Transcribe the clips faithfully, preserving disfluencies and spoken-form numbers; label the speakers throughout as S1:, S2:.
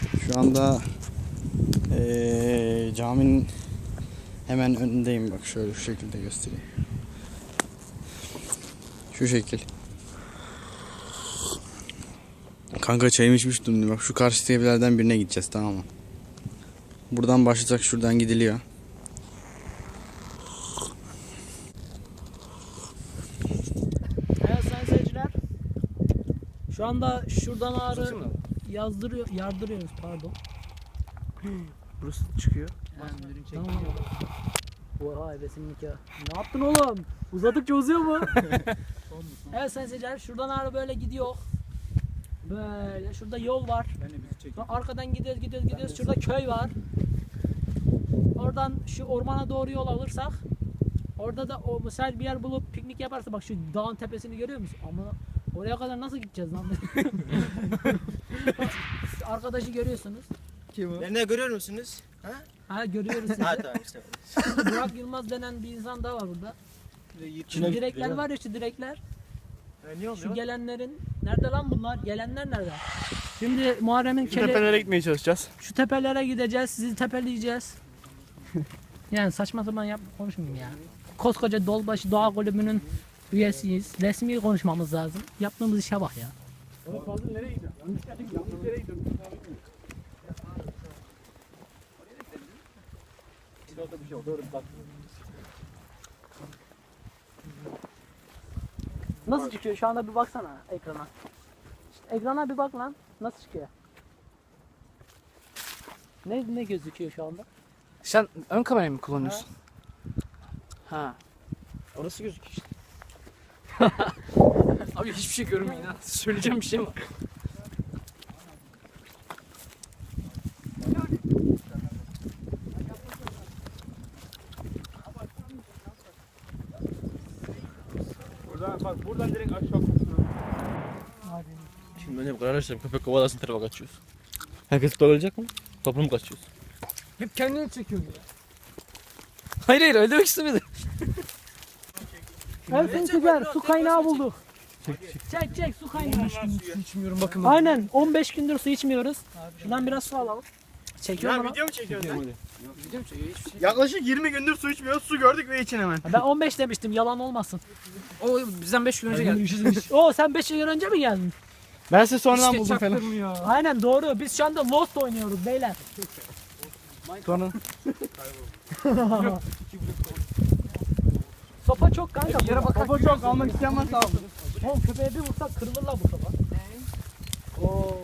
S1: Şu anda ee, caminin hemen önündeyim. Bak şöyle şu şekilde göstereyim. Şu şekil. Kanka çayımı içmiştim. Bak şu karşı evlerden birine gideceğiz, tamam mı? Buradan başlasak şuradan gidiliyor.
S2: Evet sayın seyirciler. Şu anda şuradan ağrı yazdırıyor, yardırıyoruz pardon.
S3: Burası çıkıyor.
S2: Tamam. Oha ebesin nikahı. Ne yaptın oğlum? Uzadıkça uzuyor mu? Evet sayın seyirciler, şuradan ağrı böyle gidiyor. Böyle şurada yol var. Sonra arkadan gidiyoruz gidiyoruz gidiyoruz. Şurada köy var. Oradan şu ormana doğru yol alırsak, orada da o mesela bir yer bulup piknik yaparsa, bak şu dağın tepesini görüyor musun? Ama oraya kadar nasıl gideceğiz lan? Arkadaşı görüyorsunuz.
S3: Kim o?
S4: Ne görüyor musunuz? Ha?
S2: Ha görüyoruz sizi.
S4: Ha tamam işte.
S2: Burak Yılmaz denen bir insan daha var burada. Şu direkler var ya, şu direkler.
S4: E, niye
S2: Şu gelenlerin nerede lan bunlar? Gelenler nerede? Şimdi Muharrem'in kele...
S3: Tepelere gitmeye çalışacağız.
S2: Şu tepelere gideceğiz, sizi tepeleyeceğiz. Yani saçma sapan yap konuşmayayım ya. Koskoca Dolbaşı Doğa Kulübü'nün üyesiyiz. Resmi konuşmamız lazım. Yaptığımız işe bak ya.
S3: Fazıl nereye gidiyorsun? Yanlış geldik, yanlış yere gidiyorsun.
S2: Nasıl çıkıyor şu anda, bir baksana ekrana. İşte ekrana bir bak lan. Nasıl çıkıyor? Ne ne gözüküyor şu anda?
S5: Sen ön kamerayı mı kullanıyorsun? Ha. Orası gözüküyor işte. Abi hiçbir şey görünmüyor ha. Söyleyeceğim bir şey mi var?
S3: Buradan bak, buradan direkt aşağı.
S6: Şimdi önce bu kadar arkadaşlar köpek kovalasın tarafa kaçıyoruz. Herkes kovalayacak mı? Toplu mu kaçıyoruz?
S5: Hep kendini çekiyorsun ya. Hayır hayır öyle demek istemedim.
S2: Evet seyirciler, su kaynağı bulduk. Çek çek, su kaynağı.
S5: Su içmiyorum bakın.
S2: Aynen, on beş gündür su içmiyoruz. Şuradan biraz su alalım. Çekiyorum
S3: Ya
S2: ama.
S3: video mu çekiyorsun sen?
S5: Video mu çekiyor? Hiçbir şey.
S3: Yaklaşık yirmi gündür su içmiyoruz. Su gördük ve için hemen.
S2: Ben on beş demiştim, yalan olmasın.
S5: O bizden beş gün önce geldi.
S2: Oo, sen beş yıl önce mi geldin?
S3: Ben size sonradan
S5: İşte
S3: buldum falan.
S5: çaktırmıyor.
S2: Aynen doğru. Biz şu anda Lost oynuyoruz beyler.
S3: Sonra
S2: Sopa çok kanka.
S5: Yere bakar.
S3: Baba çok almak isteyen varsa alsın.
S2: Oğlum köpeğe bir vursak kırılırlar bu sopa. Oo.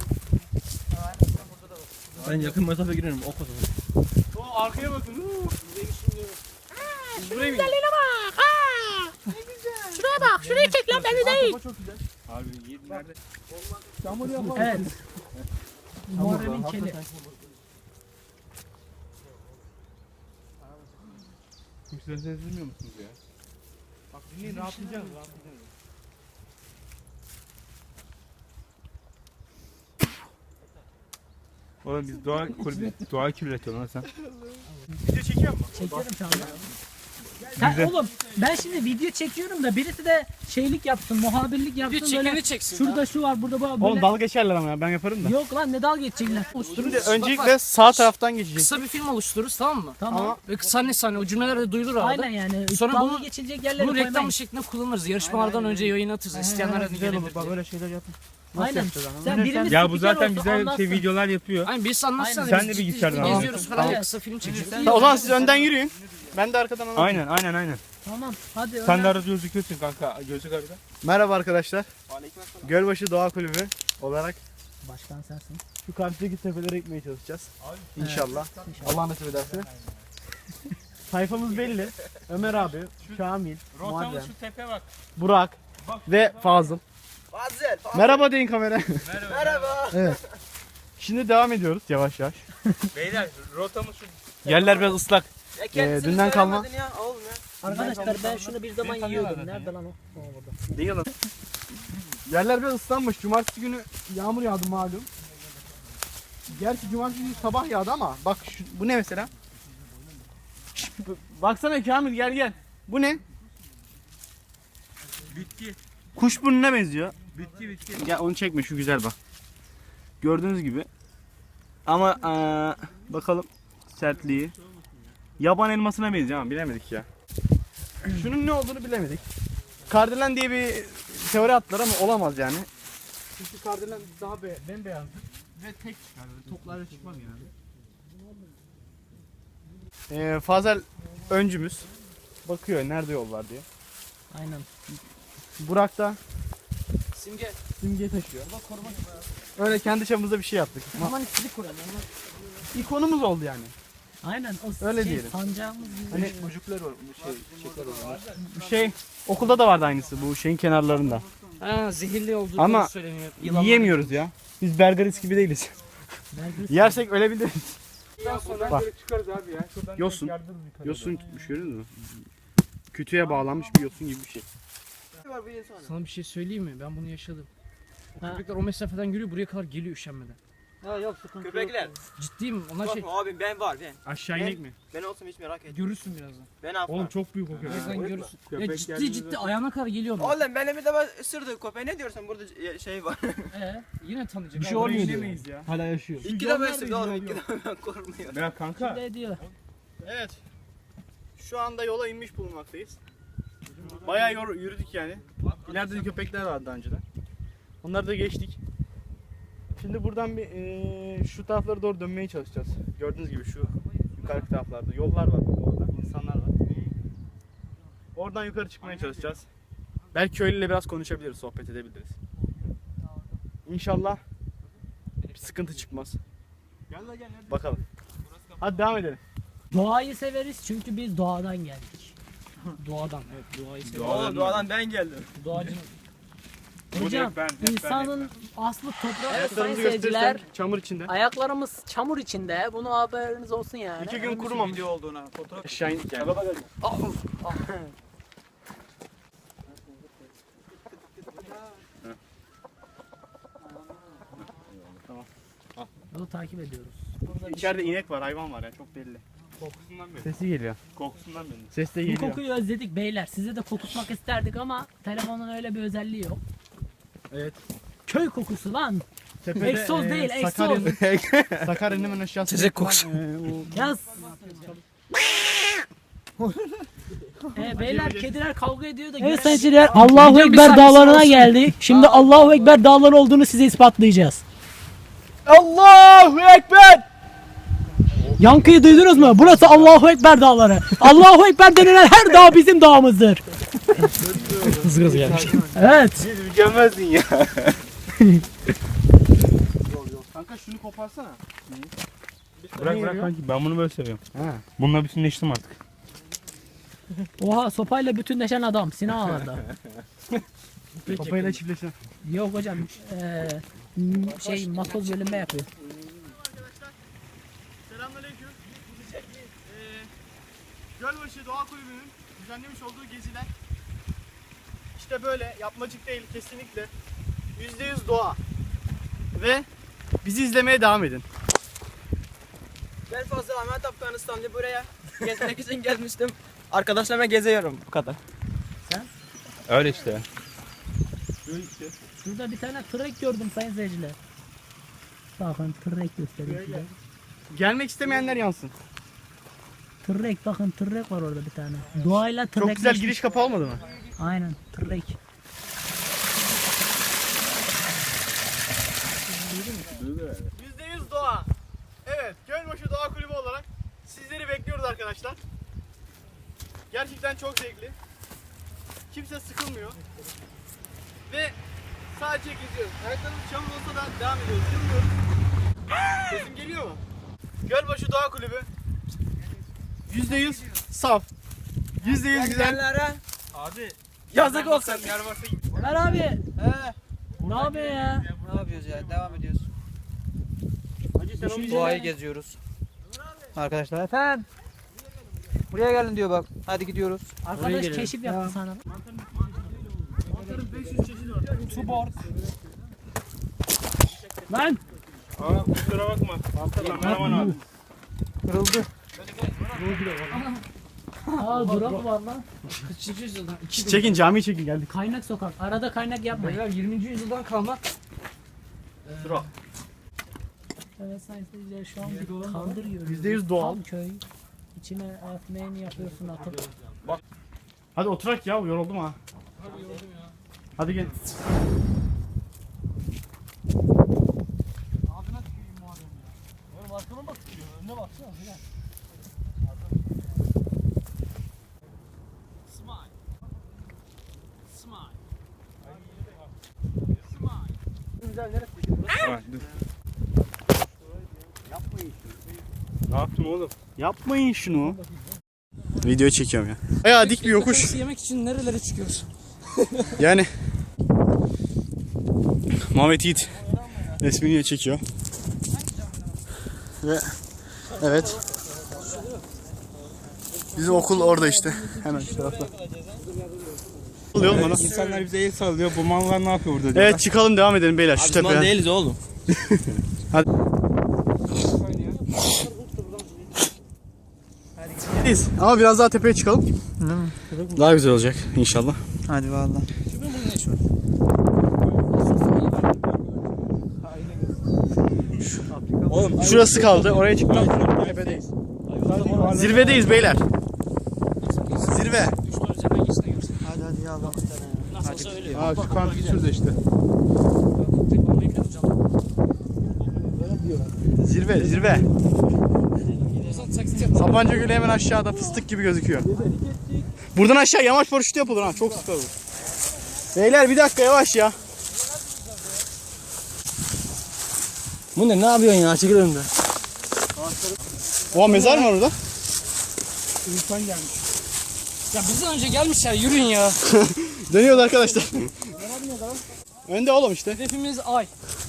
S6: Ben yakın mesafe girerim o kadar.
S3: O arkaya bakın.
S2: Buraya güzelliğine bak. Ha. Ne güzel. Şuraya bak. Şurayı çek lan, beni değil.
S3: Çok güzel. Abi yedi nerede?
S2: Evet. Muharrem'in keli.
S3: Kimseleri sezdirmiyor musunuz ya? Bak dinleyin, rahatlayacağız, rahatlayacağız. Oğlum biz doğa kulübü, doğa kirletiyorsun lan sen. Video çekiyor musun?
S2: Çekiyorum şu anda. Sen, oğlum ben şimdi video çekiyorum da birisi de şeylik yapsın, muhabirlik yapsın.
S5: Video
S2: böyle.
S5: çekeni çeksin.
S2: Şurada şu var, burada bu var.
S3: Oğlum
S2: Böyle.
S3: dalga geçerler ama ya, ben yaparım da.
S2: Yok lan, ne dalga geçecekler.
S3: Şimdi öncelikle sağ taraftan geçeceğiz.
S5: Kısa bir film oluştururuz tamam mı?
S2: Tamam.
S5: Ve sahne sahne o cümleler de duyulur arada.
S2: Aynen yani.
S5: Sonra
S2: dalga
S5: bunu-
S2: geçilecek yerleri
S5: Bunu reklam
S2: koymayın.
S5: şeklinde kullanırız. Yarışmalardan önce yayın atırız. İsteyenler de
S3: Güzel olur,
S5: gelebilir
S3: bak
S5: diye.
S3: öyle şeyler yapın.
S2: Aynen. Sen birimiz
S3: Ya bu
S2: spiker
S3: zaten
S2: olsa
S3: güzel
S2: anlatsın.
S3: şey videolar yapıyor.
S5: Aynen birisi anlatsana.
S2: Aynen.
S5: biz
S3: Sen de
S5: ciddi
S3: bilgisayardan
S5: ciddi
S3: al.
S5: geziyoruz falan.
S2: Evet.
S5: Kısa film çekeceğiz.
S3: O zaman siz önden yürüyün. Ben de arkadan anlatayım. Aynen aynen aynen.
S2: Tamam hadi.
S3: Sen
S2: önden.
S3: de arada gözüküyorsun kanka. Gözlük arada. Merhaba arkadaşlar. Gölbaşı Doğa Kulübü olarak
S2: Başkan sensin.
S3: şu karşıdaki tepelere gitmeye çalışacağız. İnşallah. Allah nasip ederse. Sayfamız belli. Ömer abi, Şamil, Muharrem,
S6: tepe bak.
S3: Burak ve Fazıl.
S4: Fazıl.
S3: Merhaba deyin kamera.
S4: Merhaba.
S3: Evet. Şimdi devam ediyoruz yavaş yavaş.
S6: Beyler rotamız şu.
S3: Yerler biraz ıslak.
S4: Ya kendisini
S3: dünden kalma.
S4: söylemedin Ya, oğlum ya.
S2: Arkadaşlar ben şunu bir zaman yiyordum. Nerede lan o? O burada.
S3: Değil lan. Yerler biraz ıslanmış. Cumartesi günü yağmur yağdı malum. Gerçi cumartesi günü sabah yağdı ama bak şu, bu ne mesela? Baksana Kamil, gel gel. Bu ne?
S6: Bitki.
S3: Kuş burnuna benziyor.
S6: Bitki bitki.
S3: Ya onu çekme, şu güzel bak. Gördüğünüz gibi Ama eee, bakalım sertliği. Yaban elmasına benziyor ama bilemedik ya. Şunun ne olduğunu bilemedik. Kardelen diye bir teori attılar ama olamaz yani. Çünkü kardelen daha be bembeyazdır ve tek çıkar. Böyle toplarla çıkmaz yani. Ee, Fazel öncümüz bakıyor nerede yol var diye.
S2: Aynen.
S3: Burak da
S5: Simge.
S3: simge taşıyor. Öyle kendi çapımızda bir şey yaptık.
S2: Aman ikilik kuralım.
S3: İkonumuz oldu yani.
S2: Aynen o
S3: Öyle
S2: şey,
S3: diyelim.
S2: sancağımız gibi.
S3: Hani
S6: Çocuklar var. Şey, çiçekler var.
S3: bu şey okulda da vardı aynısı bu şeyin kenarlarında.
S5: Ha, zehirli olduğunu
S3: Ama
S5: söyleniyor.
S3: Yiyemiyoruz ya. Biz Bergaris gibi değiliz.
S2: Belgrad-
S3: Yersek ölebiliriz.
S6: Sonra
S3: Bak.
S6: çıkarız abi ya. Şuradan
S3: Yosun.
S6: yardırırız yukarıya.
S3: Yosun tutmuş görüyor musun? Kütüğe bağlanmış bir yosun gibi bir şey.
S5: Sana bir şey söyleyeyim mi? Ben bunu yaşadım. Köpekler o mesafeden yürüyor, buraya kadar geliyor üşenmeden.
S2: Ha yok sıkıntı
S4: Köpekler.
S5: Ciddiyim, onlar şey
S4: Korkma abim ben var ben.
S3: Aşağı inek mi?
S4: Ben olsam hiç merak etme.
S5: görürsün birazdan.
S4: Ben affam.
S3: Oğlum çok büyük o köpek.
S5: Birazdan görürsün. Ya
S6: Köpek
S5: ciddi
S6: geldiğinde
S5: ciddi
S6: de-
S5: ayağına kadar geliyor. onlar.
S4: Oğlum benim bir de ben ısırdı köpeği ne diyorsun burada şey var.
S5: Ee, yine tanıyacak.
S3: Bir şey
S5: Abi,
S3: olmuyor
S5: buraya
S3: diyor.
S5: inemeyiz
S3: ya. Hala yaşıyor.
S4: İki de ben ısırdı oğlum iki de ben korkmuyorum.
S3: Ya kanka.
S2: Ne diyor?
S3: Evet. Şu anda yola inmiş bulunmaktayız. Bayağı yor- yürüdük yani. İleride de köpekler vardı daha önceden. Onları da geçtik. Şimdi buradan bir eee, şu taraflara doğru dönmeye çalışacağız. Gördüğünüz gibi şu yukarı taraflarda yollar var bak orada, insanlar var. Oradan yukarı çıkmaya çalışacağız. Belki köylüyle biraz konuşabiliriz, sohbet edebiliriz. İnşallah bir sıkıntı çıkmaz. Bakalım. Hadi devam edelim.
S2: Doğayı severiz çünkü biz doğadan geldik.
S5: Doğadan, evet doğayı seviyor.
S4: Oğlum doğadan ben geldim.
S5: Doğacının
S2: Hocam
S3: hep ben, hep ben,
S2: insanın aslı toprak sayın
S3: Ayaklarımızı
S2: seyirciler.
S3: gösterirsen çamur içinde.
S2: Ayaklarımız çamur içinde. Bunu haberiniz olsun yani.
S3: İki gün kurumamış.
S4: Video olduğuna fotoğraf.
S3: Aşağı indik yani.
S2: Yolu takip ediyoruz.
S3: İçeride inek var, hayvan var ya çok belli. Kokusundan belli. Sesi geliyor. Kokusundan belli. Ses de
S2: Bu
S3: geliyor.
S2: kokuyu özledik beyler. Size de kokutmak isterdik ama telefonun öyle bir özelliği yok.
S3: Evet.
S2: Köy kokusu lan.
S3: Tepede,
S2: Egzoz
S3: e,
S2: değil, egzoz.
S3: Sakarya'nın Sakarya'nın hemen aşağısında.
S5: Tezek kokusu.
S2: Yaz. Ee, beyler kediler kavga ediyor da. Evet seyirciler Allahu Ekber dağlarına geldik. Şimdi Allahu Ekber dağları olduğunu size ispatlayacağız.
S3: Allahu Ekber!
S2: Yankıyı duydunuz mu? Burası Allahu Ekber dağları. Allahu Ekber denilen her dağ bizim dağımızdır.
S5: hızlı hızlı gelmiş.
S2: Evet.
S3: Mükemmelsin ya. Kanka şunu koparsana. Bırak bırak kanki ben bunu böyle seviyorum. Ha. Bununla bütünleştim artık.
S2: Oha sopayla bütünleşen adam Sinan'da.
S3: Kafayla çiftleşen.
S2: Yok hocam. Eee m- şey matoz bölünme yapıyor.
S3: Selamünaleyküm. Ee, Gölbaşı Doğa Kulübü'nün düzenlemiş olduğu geziler işte böyle yapmacık değil kesinlikle yüzde yüz doğa ve bizi izlemeye devam edin.
S4: Ben fazla Ahmet Afganistan'da buraya gezmek için gelmiştim. Arkadaşlarımla geziyorum bu kadar.
S6: Öyle işte.
S2: Şurada bir tane trek gördüm sayın seyirciler. Bakın trek göstereyim size.
S3: Gelmek istemeyenler yansın.
S2: Trek bakın trek var orada bir tane. Doğayla trek.
S3: Çok güzel giriş kapı olmadı mı?
S2: Aynen trek.
S3: yüzde yüz doğa. Evet, Gölbaşı Doğa Kulübü olarak sizleri bekliyoruz arkadaşlar. Gerçekten çok zevkli. Kimse sıkılmıyor. Ve sadece geziyoruz. Ayaklarımız çamur olsa da devam ediyoruz. Durmuyoruz. Sesim geliyor mu? Gölbaşı Doğa Kulübü. yüzde yüz saf. yüzde yüz güzel.
S4: Gidenlere
S3: Abi
S4: yazık olsun.
S2: Ömer abi.
S4: He.
S2: Ne yapıyor ya?
S4: Ne yapıyoruz ya? Devam ediyoruz.
S3: Hacı sen onu
S4: Doğayı geziyoruz. Arkadaşlar efendim. Buraya gelin diyor bak. Hadi gidiyoruz.
S2: Arkadaş keşif yaptı sana.
S3: mantarın beş yüz çeşidi var.
S2: Tubor. Lan.
S3: Aa kusura bakma. Kameraman abi.
S4: Kırıldı.
S2: Aa drop var lan.
S5: Kaçıncı yüzyıldan?
S3: Çekin camiyi çekin geldik.
S2: Kaynak sokak. Arada kaynak yapmayın.
S5: Beyler yirminci yüzyıldan kalma.
S3: Sıra.
S2: Evet sayın seyirciler şu an bir tandır yiyoruz.
S3: Yüzde yüz doğal.
S2: Tam köy. İçine ekmeğini yapıyorsun atıp.
S3: Hadi oturak ya, yoruldum ha. Hadi yoruldum ya. Hadi gel. Ağzına tüküreyim madem ya. Oğlum arkana mı tükürüyor? Önüne baksana. Gel. Smile. Smile. Smile. Güzel neresi?
S6: Ne yaptın oğlum?
S3: Yapmayın şunu.
S1: Video çekiyorum ya. Bayağı dik bir yokuş.
S5: Yemek için nerelere çıkıyoruz?
S1: Yani Mehmet Yiğit resmini çekiyor. Ve evet. Bizim okul orada işte. Hemen şu tarafta. Oluyor bana.
S6: İnsanlar bize el sallıyor. Bu mallar ne yapıyor burada?
S1: Evet çıkalım devam edelim beyler şu
S6: Biz mal
S1: tepeden.
S6: değiliz oğlum.
S1: Biz. Ama biraz daha tepeye çıkalım. Daha güzel olacak inşallah.
S5: Hadi valla.
S1: Oğlum şurası kaldı. Oraya çıkmak tepedeyiz. Zirvedeyiz beyler. Zirve.
S5: Hadi hadi ya Allah.
S3: Aa şu kanka şurada işte.
S1: Zirve, zirve. Sapanca Gölü hemen aşağıda fıstık gibi gözüküyor. Buradan aşağı yamaç paraşütü yapılır ha. Çok süper olur. Beyler bir dakika yavaş ya.
S6: Bu ne? Ne yapıyorsun ya? Çekil önümden.
S1: Oha mezar mı var orada?
S5: Ya bizden önce gelmişler yürüyün ya.
S1: Dönüyordu arkadaşlar. Önde oğlum işte.
S5: Hedefimiz ay.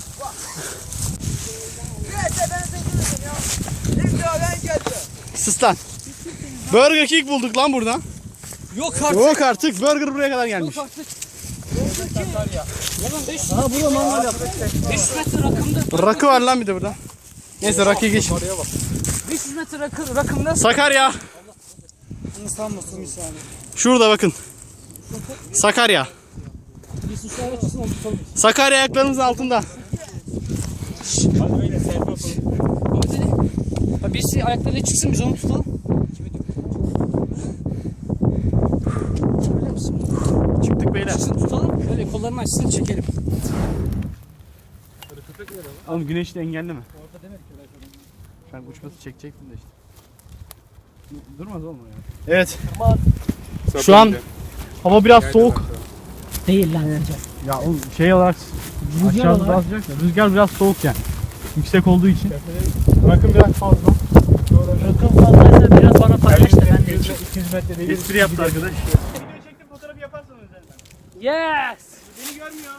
S1: Sus lan. Burger King bulduk lan burada.
S5: Yok artık.
S1: Yok artık Burger buraya kadar gelmiş.
S5: Yok artık. Yalan beş yüz. Ha burada mangal yaptık. beş yüz metre rakımda.
S1: Rakı var lan bir de burada. Neyse rakıya geç.
S5: beş yüz metre rakı, rakımda.
S1: Sakarya.
S5: Sanmasın bir saniye.
S1: Şurada bakın. Sakarya.
S5: Bir susayla çıksın onu tutalım.
S1: Sakarya ayaklarımızın altında.
S5: Ahmet Ali. Ha, birisi ayaklarıyla çıksın biz onu tutalım. Öyle misin?
S1: Çıktık beyler.
S5: Çıksın tutalım. Şöyle kollarını açsın çekelim.
S1: Oğlum güneşi de engelleme. Ben uçması çekecektim de işte. Durmaz oğlum ya. Evet. Şu an hava biraz soğuk.
S2: Değil lan önce.
S3: Ya oğlum şey olarak
S2: Rüzgar
S3: aşağıda
S2: olarak.
S3: daha sıcak ya. Rüzgar biraz soğuk yani. Yüksek olduğu için. Rakım biraz fazla.
S2: Rakım fazlaysa biraz bana paylaş da ben de içeyim.
S3: iki yüz metre değil.
S1: Espri yaptı arkadaş.
S3: Video çektim, fotoğrafı yaparsan üzerinden.
S2: Yes.
S3: Beni görmüyor.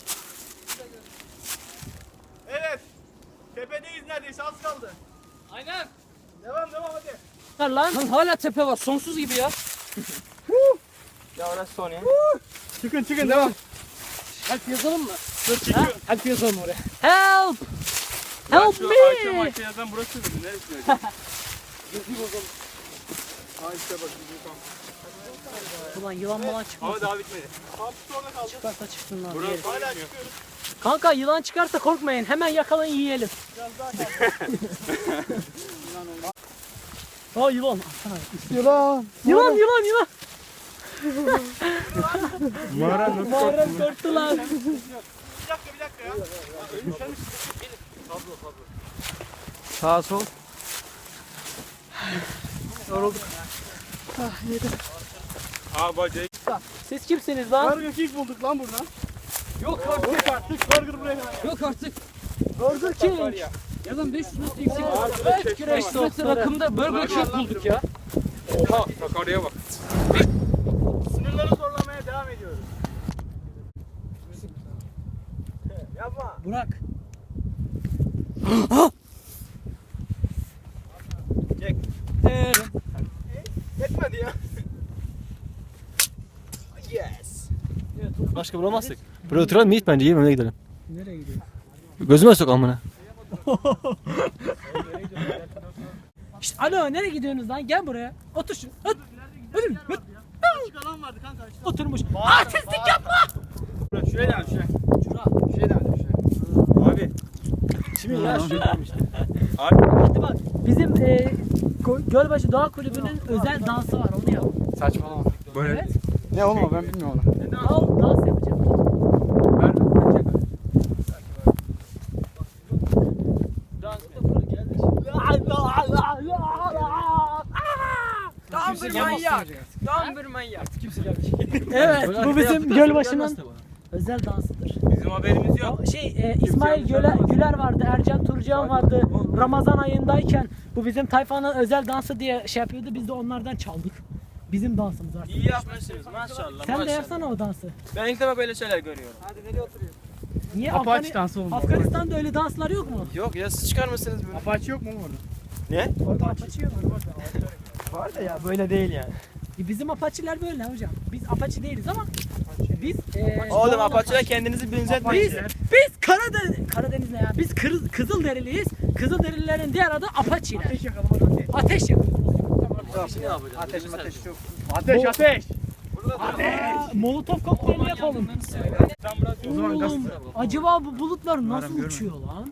S3: Evet. Tepedeyiz neredeyse, az kaldı.
S5: Aynen.
S3: Devam devam hadi.
S2: Lan.
S5: Lan hala tepe var sonsuz gibi ya.
S4: Ya orası son ya.
S3: Çıkın çıkın devam.
S5: Help yazalım mı?
S3: Dur çekiyorum.
S5: Help yazalım oraya.
S2: Help. Help
S3: Şu
S2: me.
S3: Ayşe Mayşe yazan burası mı? Neresi öyle? Ayşe bak.
S2: Ulan yılan falan çıkmasın.
S3: Ama daha bitmedi. Kampüs orada kaldı.
S2: Çıkarsa çıksın lan.
S3: Burası
S2: yiyelim.
S3: hala çıkıyoruz.
S2: Kanka yılan çıkarsa korkmayın. Hemen yakalayın yiyelim. Aa yılan.
S1: Yılan.
S2: Yılan yılan yılan.
S3: Mağara nasıl
S2: Muharrem korktu lan.
S3: Bir dakika bir dakika ya.
S5: Sağa sol.
S6: Aa bacayı.
S2: Siz kimsiniz lan?
S3: Burger King bulduk lan burada.
S5: Yok artık.
S3: Yok artık burger buraya kadar.
S5: Yok artık.
S2: Burger King.
S5: Yazın beş yüz metre yüksek.
S2: Evet,
S5: beş yüz metre rakımda Burger King bulduk ya.
S6: Oha Sakarya'ya bak.
S3: Sınırları zorlamaya devam ediyoruz. Yapma.
S2: Burak.
S3: Çek.
S2: Ee,
S3: Yetmedi ya. Yes.
S6: Başka bulamazdık. Buraya oturalım mı Yiğit bence? Yiyelim öyle gidelim.
S2: nereye gidiyor?
S6: Gözüme sok amına.
S2: İşte alo nereye gidiyorsunuz lan? Gel buraya. Otur şu. Otur. Otur. Otur.
S3: Açık alan vardı kanka. Açık
S2: Oturmuş. Artistlik yapma.
S3: alan. Şuraya devam şuraya.
S2: Şura.
S3: Şuraya devam şuraya.
S6: Abi.
S2: Bismillah. Hadi bak. Bizim e, Go- Gölbaşı Doğa Kulübü'nün özel dansı var. Onu yap.
S1: Saçmalama.
S2: Böyle. Evet.
S1: Ne oğlum o, ben bilmiyorum onu.
S2: Al dans yapacağım.
S4: Tam bir manyak. Tam bir manyak.
S2: Evet, bu bizim Gölbaşı'nın özel dansıdır.
S3: Bizim haberimiz yok.
S2: Şey, e, İsmail Göler, Güler vardı, Ercan Turcan vardı. Ramazan ayındayken bu bizim tayfanın özel dansı diye şey yapıyordu. Biz de onlardan çaldık. Bizim dansımız artık.
S4: İyi yapmışsınız maşallah.
S2: Sen de
S4: maşallah.
S2: yapsana o dansı.
S4: Ben ilk defa böyle şeyler görüyorum.
S2: Niye
S1: Apache
S2: Afgani-
S1: dansı olmalı.
S2: Afganistan'da öyle danslar yok mu?
S4: Yok ya siz çıkar mısınız böyle?
S1: Apache yok mu oğlum orada?
S4: Ne?
S2: Orada Apache yok.
S4: Var da ya böyle değil yani.
S2: E, Bizim Apache'ler böyle hocam. Biz Apache değiliz ama biz e,
S4: Oğlum Apache'ye kendinizi benzetmeyin.
S2: Biz, biz Karadeniz, Karadeniz ne ya? Biz Kır, Kızılderiliyiz. Kızılderililerin diğer adı Apache'ler. Ateş yakalım hadi. Ateş yakalım.
S3: Ateş ateş çok.
S1: Ateş ateş.
S2: Aa, Molotov kokteyli yapalım. Oğlum, acaba bu bulutlar nasıl uçuyor lan?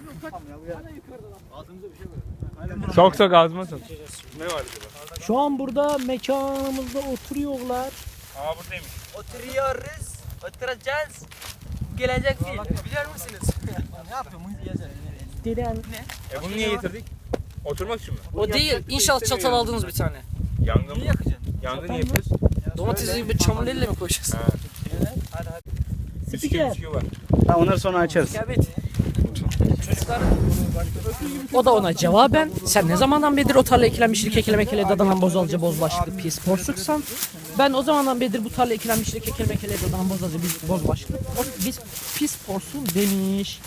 S6: Sok sok ağzıma sok.
S2: Şu an burada mekanımızda oturuyorlar.
S6: Aa buradaymış.
S4: Oturuyoruz. Oturacağız. Gelecek değil. Biliyor musunuz? Ne yapıyorsun?
S2: Diren.
S6: E bunu niye getirdik? Oturmak için mi?
S5: O değil. İnşallah çatal aldınız bir tane.
S6: Yangın mı? Yangın niye yapıyoruz?
S5: Domatesi gibi çamurlarıyla mı koyacağız?
S6: Bisküvi
S2: Spiker.
S6: bisküvi var.
S1: Ha, onları sonra açarız.
S5: Evet. O da ona cevaben sen ne zamandan beridir o tarla ekilenmişlik ekilemekele dadanan bozalcı bozbaşlı pis porsuksan ben o zamandan beridir bu tarla ekilenmişlik ekilemekele dadanan bozalcı biz bozbaşlı o, biz pis porsun demiş.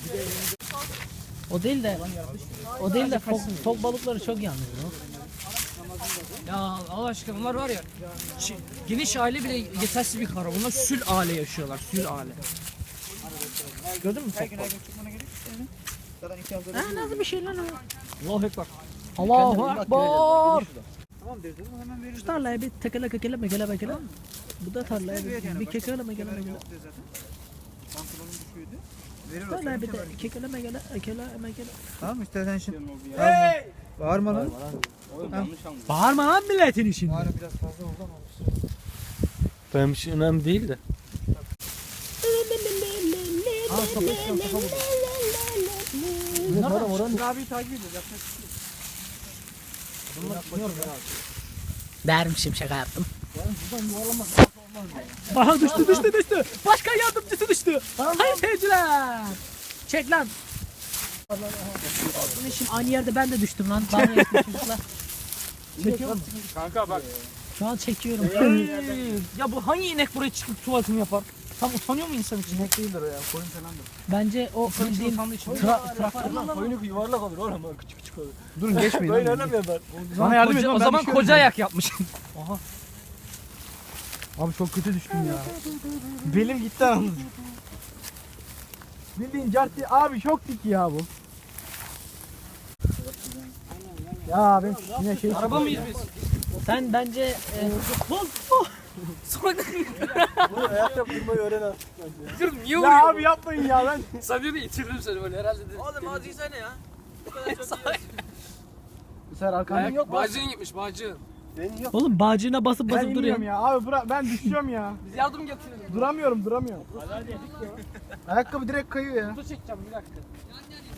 S2: O değil de o değil de fok, fok balıkları çok yanıyor.
S5: Ya Allah aşkına bunlar var ya şi- geniş aile bile yetersiz bir kara. Bunlar sül aile yaşıyorlar. Sül aile. Gördün mü fok balık?
S2: Ha, nasıl bir şey lan o?
S5: Allahu Ekber.
S2: Allahu Ekber. Şu tarlaya bir tekele kekele mekele mekele. Bu da tarlaya bir, bir kekele mekele mekele. Tarlaya bir de kekele mekele mekele mekele.
S7: Tamam istersen şimdi. Bağırma lan.
S2: Bağırma lan milletin için.
S7: Bağırma biraz fazla oldu ama.
S6: Benim için önemli değil de.
S2: Dermişim şaka yaptım. Aha düştü düştü düştü. Başkan yardımcısı düştü. Hayır seyirciler. Çek lan. Ne şimdi aynı yerde ben de düştüm lan. Bana yakın çocuklar. Çekiyor musun?
S6: Kanka bak.
S2: Şu an çekiyorum.
S5: Ya bu hangi inek buraya çıkıp tuvaletini yapar? Tam utanıyor mu insan için?
S7: İnek değildir o ya. Koyun falandır.
S2: Bence o bildiğin tra traktör lan.
S7: Koyunu yuvarlak olur oğlum. Küçük küçük olur.
S1: Durun geçmeyin.
S7: Koyun
S1: lan.
S7: oynamıyor ben.
S1: Bana yardım edin.
S5: Koca-
S1: lan,
S5: o
S1: ben
S5: zaman
S1: düşüyorum
S5: koca
S1: ya.
S5: ayak yapmış.
S1: Abi çok kötü düştüm ya. Belim gitti anasını. Bildiğin carti abi çok dik ya bu. Ya ben yine şey
S5: Araba mıyız biz?
S2: Sen bence e,
S5: Sonra
S7: Ayakta durmayı öğren ha.
S5: dur niye
S1: ya
S5: vuruyor?
S1: abi yapmayın ya ben.
S5: Sen diyor itirdim seni böyle herhalde dedim.
S4: Oğlum hadi sen ya. Bu kadar çok iyi.
S1: Bu sefer arkamda yok mu?
S5: Bağcığın gitmiş bağcığın.
S2: oğlum bağcığına basıp
S1: Ben
S2: basıp duruyor.
S1: inmiyorum ya abi bırak ben düşüyorum ya.
S5: Biz yardım getirelim.
S1: Duramıyorum duramıyorum. Ayakkabı direkt kayıyor ya.
S5: Foto çekeceğim bir dakika.